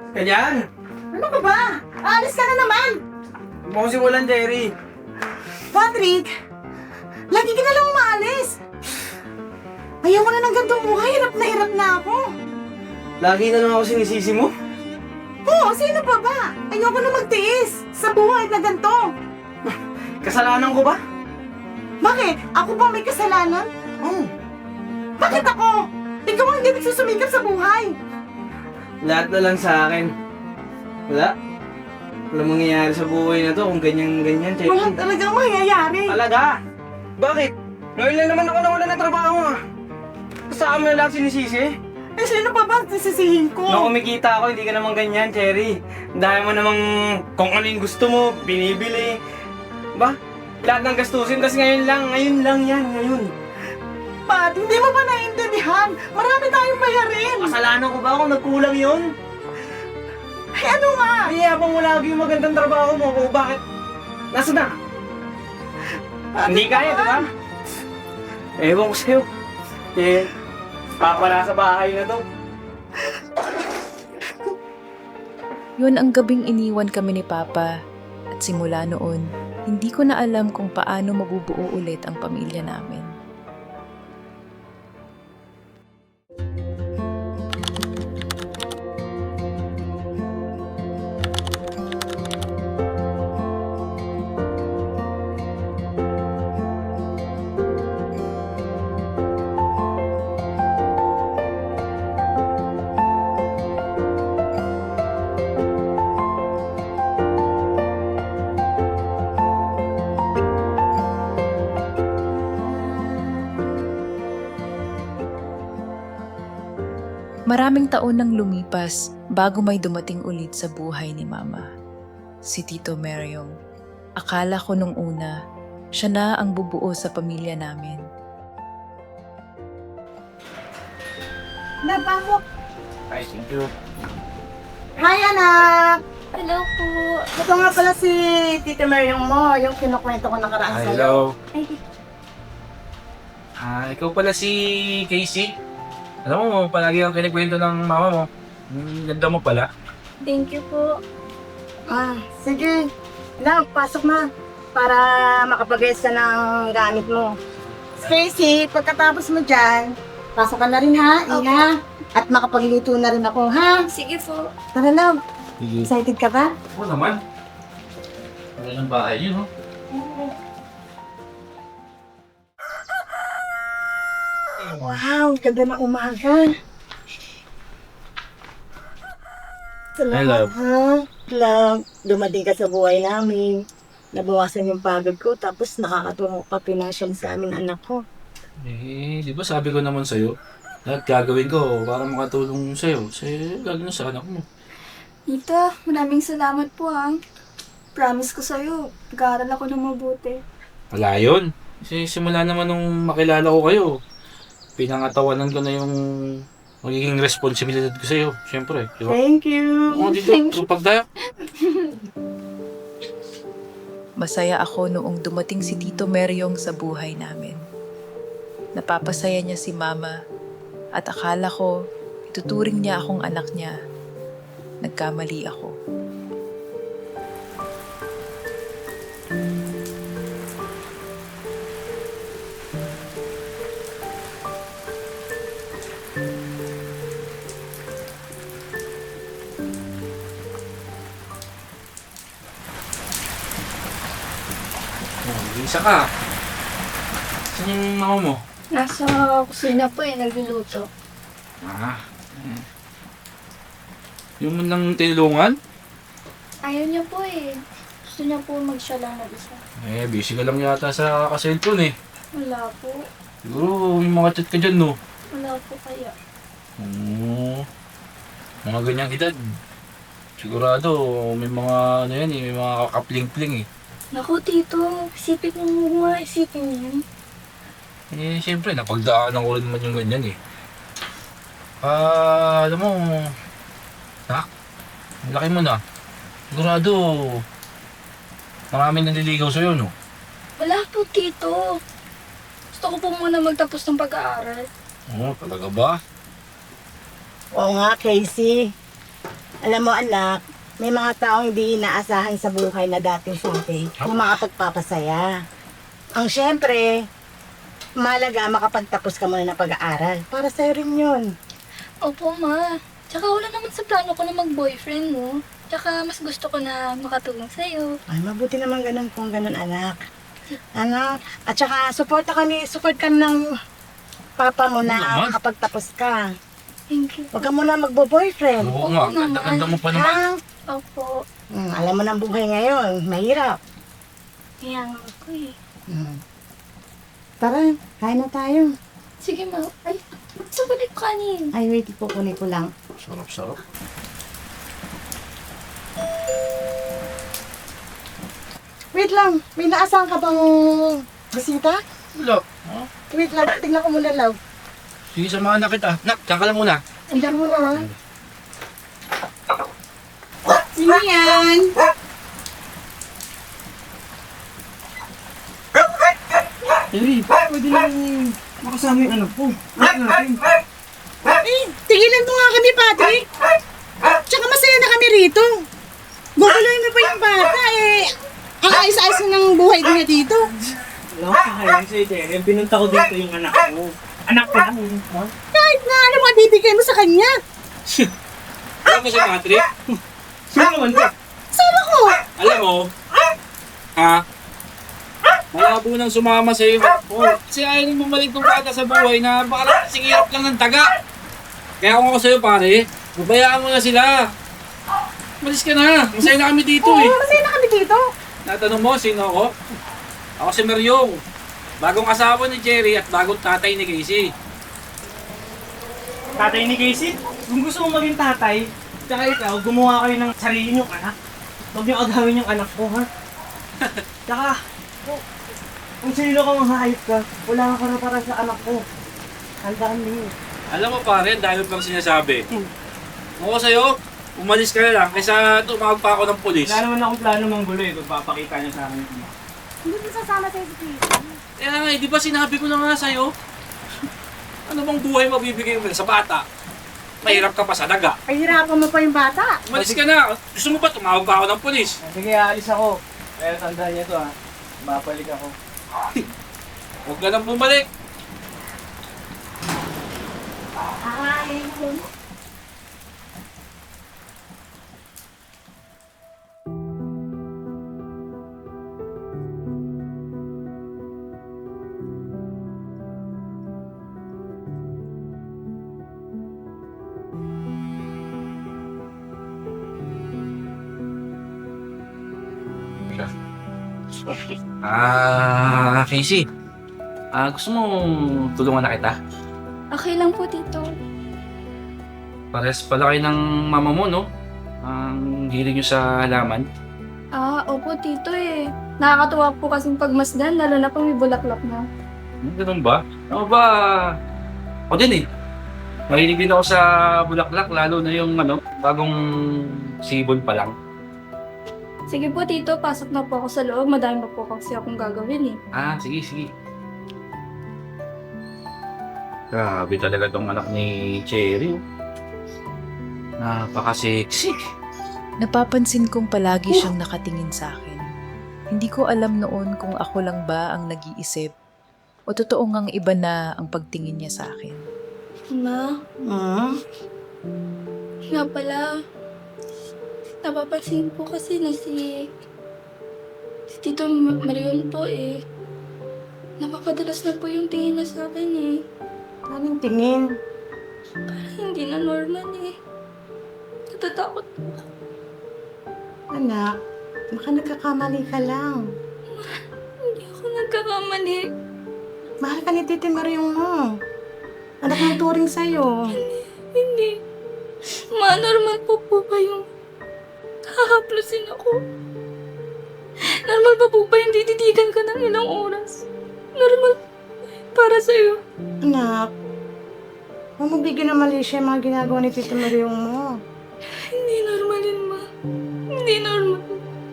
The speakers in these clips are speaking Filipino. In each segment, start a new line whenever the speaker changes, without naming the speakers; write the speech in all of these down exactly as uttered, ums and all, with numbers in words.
Ganyan!
Ano ka ba? Aalis ka na naman!
Huwag mo kong simulan, Jerry.
Patrick! Lagi ka na lang umaalis! Ayaw ko na ng gantong buhay. Hirap na hirap na ako.
Lagi na lang ako sinisisi mo.
Oo, sino pa ba? Ayoko na magtiis sa buhay na ganito.
Kasalanan ko ba?
Bakit? Ako ba may kasalanan?
Oo.
Bakit ako? Ikaw ang hindi nagsusumikap sa buhay.
Lahat na lang sa akin. Wala. Wala mangyayari sa buhay na to kung ganyan-ganyan, Jerry.
Wala talagang mangyayari.
Talaga? Bakit? Ngayon lang naman ako nawala ng trabaho ah. Sa amin na lahat sinisisi.
Eh, sino pa ba ang sisisihin ko?
Nung kumikita ako, hindi ka naman ganyan, Cherry. Dahil mo namang kung ano yung gusto mo, binibili. Ba? Lahat ng gastusin, tas ngayon lang, ngayon lang yan, ngayon.
Pat, hindi mo ba naiintindihan? Marami tayong bayarin.
Kasalanan ko ba kung nagkulang yun?
Ay, ano nga?
Hindi, habang mo lagi yung magandang trabaho mo, kung bakit? Nasaan na?
Pat,
Hindi kaya, di ba? Ewan ko sa'yo. Eh, papa nasa bahay na to.
Yun ang gabing iniwan kami ni Papa at simula noon, hindi ko na alam kung paano mabubuo ulit ang pamilya namin. Maraming taon nang lumipas bago may dumating ulit sa buhay ni Mama. Si Tito Meryong. Akala ko nung una, siya na ang bubuo sa pamilya namin.
Napasok.
Ay, thank you.
Hi, anak!
Hello po.
Ito nga pala si Tita Maryong mo, yung kinukwento ko nakaraan
Ah,
sa'yo.
hello.
Ay,
Ah, ikaw pala si Casey. Alam mo, palagi ang kinikwento ng mama mo. Ang ganda mo pala.
thank you po.
Ah, sige. Na, pasok na. Para makapag-guess ka ng gamit mo. Stacy, pagkatapos mo dyan, pasok ka na rin ha, Iha. At makapagluto na rin ako, ha?
Sige po.
Tara lang.
Sige.
Excited ka ba?
Oo naman. Ano ng bahay yun, no?
Wow, ganda ng umaga. Salamat,
Hello.
ha? Lang, dumating ka sa buhay namin. Nabawasan yung pagod ko, tapos nakakatulong ka financial sa aming anak ko.
Eh, di ba sabi ko naman sa'yo, lahat gagawin ko para makatulong sa'yo. Kasi lagi na sa anak mo.
Tita, maraming salamat po ha. Promise ko sa'yo, pag-aaral ako ng mabuti.
Wala yun. Kasi simula naman nung makilala ko kayo, pinangatawanan ko na yung magiging responsibilidad ko sa'yo. Siyempre, di ba?
Thank you.
Oo, dito, tupag tayo.
Masaya ako noong dumating si Tito Meryong sa buhay namin. Napapasaya niya si Mama at akala ko ituturing niya akong anak niya. Nagkamali ako.
Oh, isa ka. Saan yung mama mo?
Nasa kusina po eh, nagluluto.
Ah. eh. Yung mo nang tinulungan?
Ayaw niya po eh. Gusto niya po mag-siya lang mag-isa.
Eh, busy ka lang yata sa ka-cellphone eh.
Wala po.
Siguro may mga chat ka dyan, no?
Wala po kaya.
Oo. Mga ganyang edad. Sigurado, may mga ano yan eh, may mga kakapling-pling eh.
Naku, tito. Isipin mo mga isipin yan.
Eh, siyempre, napagdaanan ko rin naman yung ganyan eh. Ah, alam mo, nak, ang laki mo na. Sigurado, maraming nanliligaw sa'yo, no?
Wala po, tito. Gusto ko po muna magtapos ng pag-aaral.
Oo, talaga ba?
Oo nga, Casey. Alam mo anak, may mga taong hindi inaasahan sa buhay na dating sabi na makapagpapasaya. Ang syempre, malaga makapagtapos ka muna ng pag-aaral. Para sa'yo rin yun.
Opo, ma. Tsaka wala naman sa plano ko na mag-boyfriend, no? Tsaka mas gusto ko na makatulong sa'yo.
Ay, mabuti naman ganun kung ganun anak. Ano? At saka, support ka ni, support ka ng papa mo na
naman.
makapagtapos ka.
Thank you.
Huwag ka muna magbo-boyfriend.
Oo nga,
Oo naman.
ganda-ganda mo pa naman.
Ha?
Opo.
Hmm, alam mo ng buhay ngayon, mahirap.
Kaya nga ako eh.
Hmm. Tara, kain na tayo.
Sige, ma. Ay, sa balik kanin.
Ay, wait, ipukunin ko lang.
Sarap-sarap.
Wait lang, may naasahan ka bang bisita?
Wala. Oh,
Wait lang, tingnan ko muna lang.
sige, samahan na kita. Nak, diyan ka lang muna.
Tingnan mo na. Sino yan?
Cherry, pwede lang makasama yung anak ko. Anak natin.
Eh, tigilan mo nga kami, Patrick. Tsaka masaya na kami rito. Guguluhin mo pa yung bata eh. Ang ayos-ayos na ng buhay niya dito.
Wala ko kakainin sa'yo, Cherry. Pinunta ko dito yung anak ko. Anak ko lang. Ha?
Kahit na ano mga bibigay mo sa kanya.
Alam mo si Patrick?
Sino naman to?
Sama ko.
Alam mo, ha? Malabo nang sumama sa iyo. Oh, kasi ayaw nang bumalik ng bata sa buhay na baka kasing hirap lang ng taga. Kaya kung ako sa'yo pare, babayaan mo na sila. Malis ka na. Masaya na kami dito
Oo,
eh.
masaya na kami dito.
Natanong mo, sino ako? Ako si Maryong. Bagong asawa ni Jerry at bagong tatay ni Casey.
Tatay ni Casey? Kung gusto mo maging tatay, tsaka ikaw, gumawa kayo ng sarili niyong anak. Huwag niyong agawin yung anak ko, ha? Tsaka, kung, kung sino ka mahayop ka, wala ka na para sa anak ko. Handaan mo yun.
Alam mo pare, dahil pang sinasabi. Kung ako sa'yo, umalis ka na lang kaysa tumawag pa ako ng polis.
Wala naman akong plano manggulo eh, kung papakita niyo sa akin yung anak.
Hindi mo sasama sa'yo si Tito.
Kaya nga, eh, di ba sinabi ko na nga sa'yo? Ano bang buhay mabibigay mo sa bata? Mahirap ka pa sa daga.
Pahirapan mo pa yung bata.
Umalis ka na. Gusto mo ba tumawag pa ako ng polis?
Sige, aalis ako. Pero tandaan niyo to, ha? Babalik ako.
Huwag ka nang bumalik.
Ay,
Ah, Casey. Ah, gusto mo tulungan na kita?
Okay lang po, Tito.
Pares pala kayo ng mama mo, no? Ang hilig nyo sa halaman.
Ah, opo, Tito eh. Nakakatuwa po kasing pagmasdan, lalo na pag may bulaklak na.
Hmm, ganun ba? Ako ba? Ako din eh. Mahilig din ako sa bulaklak, lalo na yung ano, bagong sibol pa lang.
Sige po, Tito, pasok na po ako sa loob. Madami pa po kasi akong gagawin eh.
Ah, sige, sige. Grabe talaga tong anak ni Cherry. oh. Napaka-sexy.
Napapansin kong palagi siyang nakatingin sa akin. Hindi ko alam noon kung ako lang ba ang nag-iisip o totoo ngang iba na ang pagtingin niya sa akin.
Ma,
Hmm?
nga pala, napapansin po kasi na si, si Tito Ma- Marion po eh. Napapadalas na po yung tingin na sa akin eh.
Anong tingin?
Parang hindi na normal eh. Natatakot po.
Anak, baka nagkakamali ka lang.
Hindi ako nagkakamali.
Mahal ka ni Titi Maryong mo. Anak ng turing sa'yo.
Hindi. Ma, normal po po ba yung hahaplusin ako? Normal pa po ba yung tititigan ka ng ilang oras? Normal po ba yun para sa'yo?
Anak, huwag mo bigyan ng mali siya yung mga ginagawa ni Titi Maryong mo.
Hindi normal yun, ma. Hindi normal.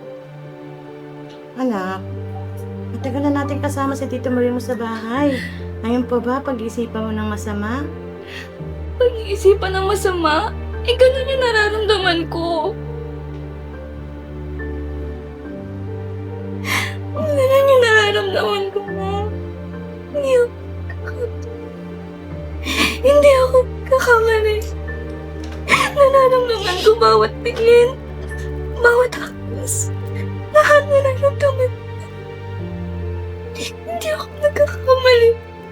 Anak, matagal na natin kasama si Tito Maryong mo sa bahay. Ngayon pa ba pag-isipan mo ng masama?
Pag-iisipan ng masama, Eh, ganun yung nararamdaman ko. Ganun yung nararamdaman ko, ma. Hindi ako kakatu. Hindi ako kakamali. Nararamdaman ko bawat tingin, bawat hakbas, lahat nararamdaman ko. Hindi ako nagkakamali.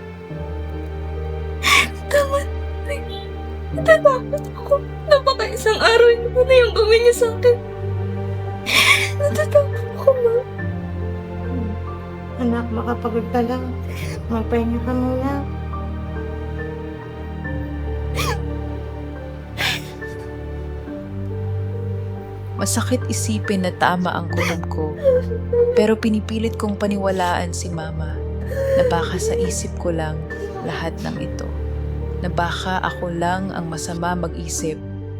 Tama na. Natatakot ako na baka isang araw yun na yung gawin niya sa akin. Natatakot ako, ma.
Anak, makapagod ka lang. Magpahinga ka muna.
Masakit isipin na tama ang kutob ko, pero pinipilit kong paniwalaan si Mama na baka sa isip ko lang lahat ng ito, na baka ako lang ang masama mag-isip.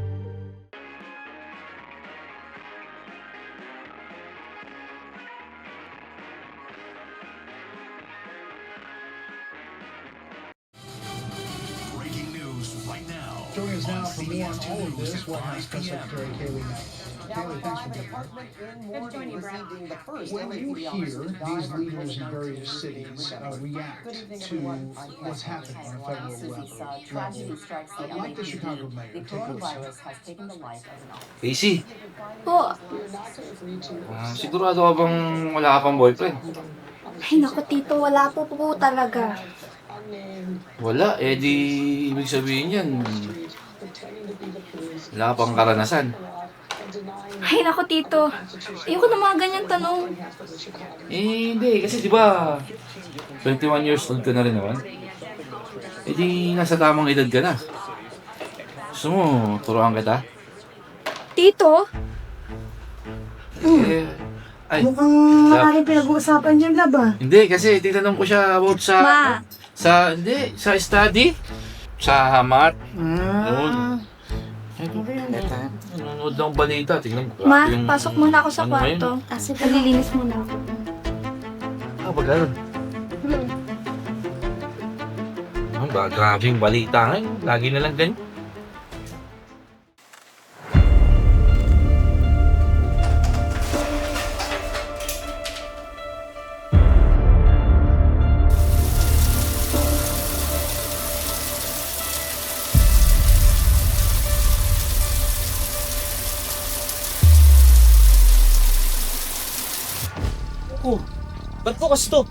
Breaking news right now.
Joining us now for more on all of this, White House Press Secretary Kayleigh Knight. Kayleigh, thanks for being here. When you hear these leaders in various cities uh, react to what's happening on a federal level, uh, like the Chicago mayor, take a listen.
Casey,
Po,
ah, sigurado ka bang wala ka pang boyfriend?
ay naku tito, wala po po talaga.
Wala, eh di ibig sabihin yan, wala ka pang karanasan.
Ay naku tito, ayoko na mga ganyan tanong.
Eh hindi, kasi di ba twenty-one years old ka na rin naman? Eh di nasa tamang edad ka na. Gusto mo, turuan kita?
Tito?
Eh, ay,
Mukhang maraming pinag-uusapan dyan, lab ah.
hindi kasi titanong ko siya about sa,
Ma,
sa, hindi, sa study, sa math.
Ah.
Nanonood ng balita, tingnan ko.
ma,
yung-
pasok muna ako sa
ano ngayon?
kwarto. Kasi palilinis muna ako.
Ah, ba ganun? Ano ba, grabe yung balita ngayon. Lagi na lang ganyan.
Oh, ba't bukas to?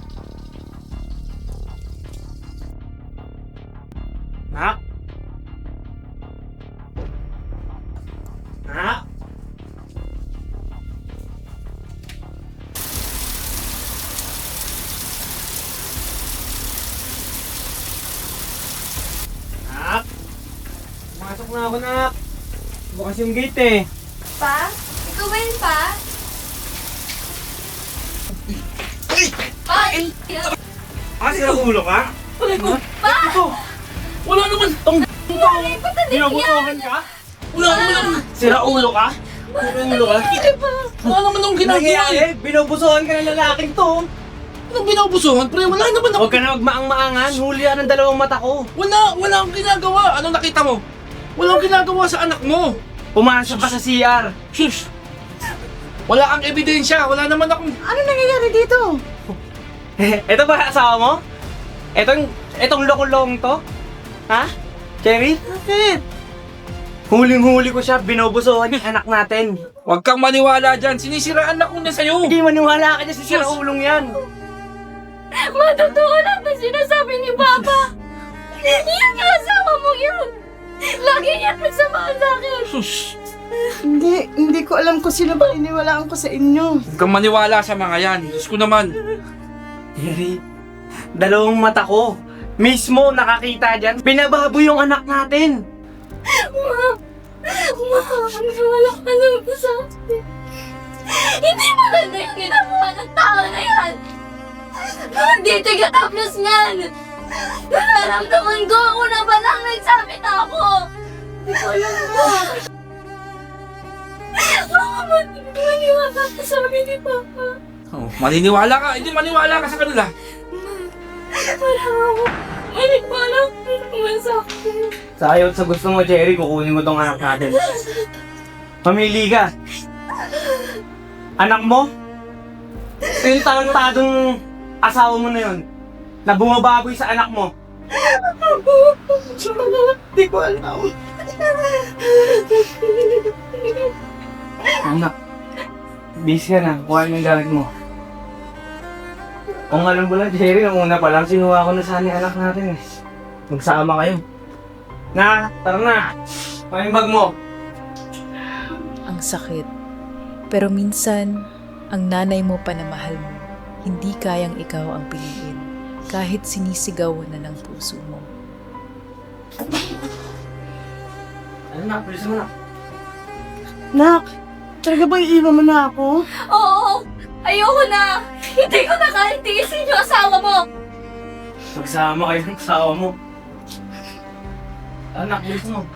Nak? Nak? Nak? Pumasok na ako, nak. Bukas yung gate eh.
Pa? Ikaw ba yun, pa? Pa!
Ah, sira ulo ka? Wala ko. Pa! Ito. Wala naman. Tong
Wala yung patadig yan!
binabutuhan ka? Wala naman. Sira ulo ka? Sira ulo ka?
Wala naman akong ginagawa eh.
Eh, binubusuhan ka ng lalaking to.
Anong binabusuhan? Pre, wala naman ako.
Huwag ka na magmaang-maangan. Huli yan ng dalawang mata ko.
Wala, wala akong ginagawa. Anong nakita mo? Wala akong ginagawa sa anak mo.
Pumasok ka sa C R.
Shush! Wala kang ebidensya. Wala naman akong...
Ano nangyayari dito?
Ito ba asawa mo? Etong, etong lokolong to? Ha? Cherry? Bakit? Huling-huli ko siya, binubusuhan yung anak natin.
Huwag kang maniwala dyan. Sinisiraan ako na sa'yo.
Hindi maniwala ka dyan sa sira ulong yan.
Ma, totoo lang ba sinasabi ni Papa? Yung asawa mo yun! Lagi niya nagsamaan sa akin!
Sus!
Hindi, hindi ko alam kung sino ba iniwalaan ko sa inyo.
Huwag kang maniwala sa mga yan. Diyos ko naman.
Cherry, dalawang mata ko. Mismo nakakita dyan. Binababoy yung anak natin.
Ma! Ma! Wala ka lang ba sa akin? Hindi maganda yung ginagawa ng tao na yan! Hindi taga-tapos niyan! Nararamdaman ko ako na ba lang nagsabi na ako! Hindi ko alam mo! Baka maniwala ka sa amin ni Papa.
Oh, maniniwala ka. Hindi maniwala ka sa kanila.
Parang ako Hindi ko alam kung masakit.
Sa ayaw at sa gusto mo, Cherry, kukunin ko tong anak natin. Mamili ka. Anak mo? Yung tarantadong asawa mo na yun, na bumababoy sa anak mo. Hindi ko alam. Anak, busy ka na. Kuha mo yung gamit mo. Kung alam mo lang, Jerry, nung una pa lang, sinuha ko na sana yung anak natin eh. Magsama kayo. Na, tara na. Kuha yung bag mo.
Ang sakit. Pero minsan, ang nanay mo pa na mahal mo, hindi kayang ikaw ang piliin, kahit sinisigaw na ng puso mo.
Ano na, please mo na.
Nak, talaga ba iiwan mo na ako?
Oo! Ayoko na! Hindi ko na kaya tiisin yung asawa mo!
Magsama kayo ng asawa mo. Anak, please mo.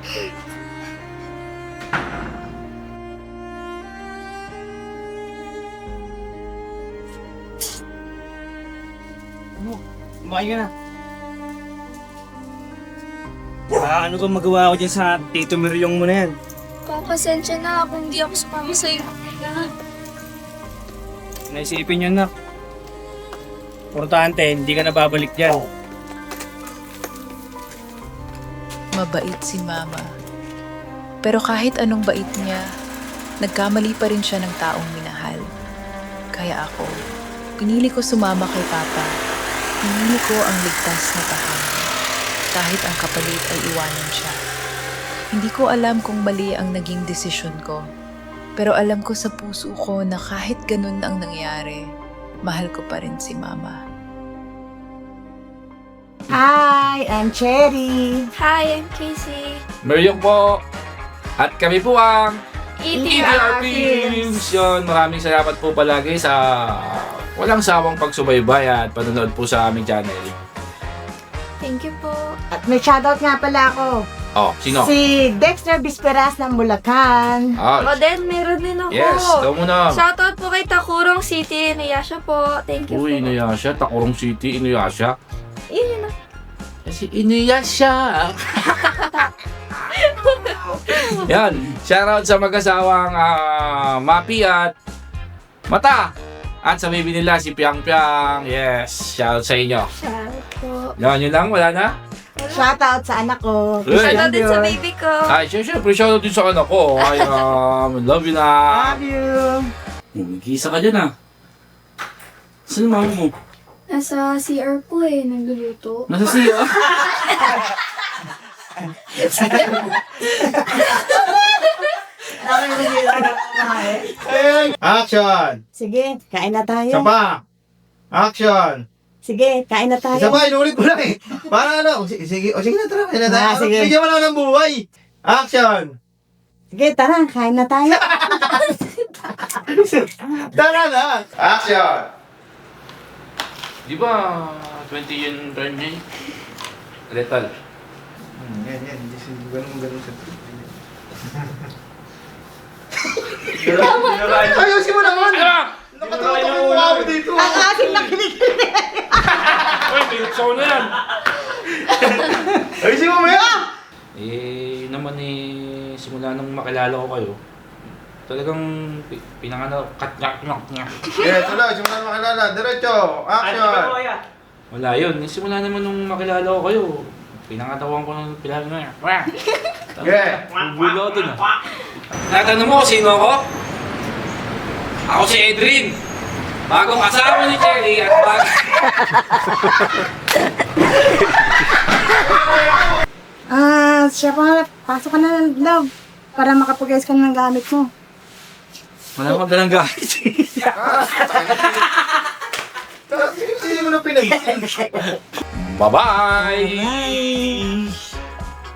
Ano? Kumain ka na. Ah, ano kung magawa ko dyan sa Tito Miryong mo na yan?
Papasensya na kung hindi ako sumama sa'yo.
Naisipin yun, nak. Importante, hindi ka na babalik dyan.
Mabait si Mama. Pero kahit anong bait niya, nagkamali pa rin siya ng taong minahal. Kaya ako, pinili ko sumama kay Papa. Pinili ko ang ligtas na tahanan. Kahit ang kapalit ay iwanan siya. Hindi ko alam kung mali ang naging desisyon ko. Pero alam ko sa puso ko na kahit ganun ang nangyari, mahal ko pa rin si Mama.
Hi, I'm Cherry.
Hi, I'm Casey.
Meryong po. At kami po ang
E
E T
T
R Films. Yun, maraming salamat po palagi sa walang sawang pagsubaybay at panonood po sa aming channel.
Thank you po.
At may shoutout nga pala ako.
Oh, sino?
Si Dexter Bisperas ng Bulacan.
Ah,
O din, meron din ako.
yes, ikaw muna.
Shoutout po kay Takurong City, Inuyasha po. Thank you
Uy,
po.
Inuyasha. Takurong City, Inuyasha.
Yun yun na.
Kasi Inuyasha. Yan, shoutout sa mag-asawang ah, Mapi at Mata. At sa baby nila, si Piang Piang. Yes, shoutout sa inyo.
Shoutout po.
Yan, yun lang, wala na?
Shoutout sa anak ko.
Uy.
Shoutout din sa baby ko.
Ay, syempre, shoutout din sa anak ko. Ay, um, love you na.
Love you.
Nag-iisa ka dyan ah. Saan mama mo?
Nasa C R po eh, nagluluto.
Nasa siya.
Action!
Sige, kain na tayo.
Isa pa! Action!
Sige, kain na tayo.
Isa pa, inulit ko lang eh. Para ano? Sige, sige, o sige na, tara. Kain na tayo.
Ah, sige.
Bigyan mo lang ng buhay. Action!
Sige, tara, kain na tayo.
Tara na! Action!
Di ba, twenty yung turn niya eh? Lethal.
Hmm, yan, yan. Ganun, ganun sa ayusin mo naman! Nakatutok yung mukha mo dito.
Ang aking nakinig.
Uy, pinagsaw na yan!
Ayusin mo ba yan?
Eh, yun naman eh, simula nung makilala ko kayo, talagang pi- pinangano, katnyak nyak nyak.
Yeah, tuloy. Simulan makilala. Diretso. Action!
Wala yun, eh, simula naman nung makilala ko kayo, pinangatawan ko ng pilahan na yan.
Yeah.
Bulo doon ah. Natanong mo kung sino ako? Ako si Edrin. Bagong asawa ni Cherry at bag...
Ah, siya pa, pasok ka na ng love para makapag-ayos ka ng gamit mo.
Wala akong dalang gamit.
Hindi mo na pinag-
Bye-bye!
Bye!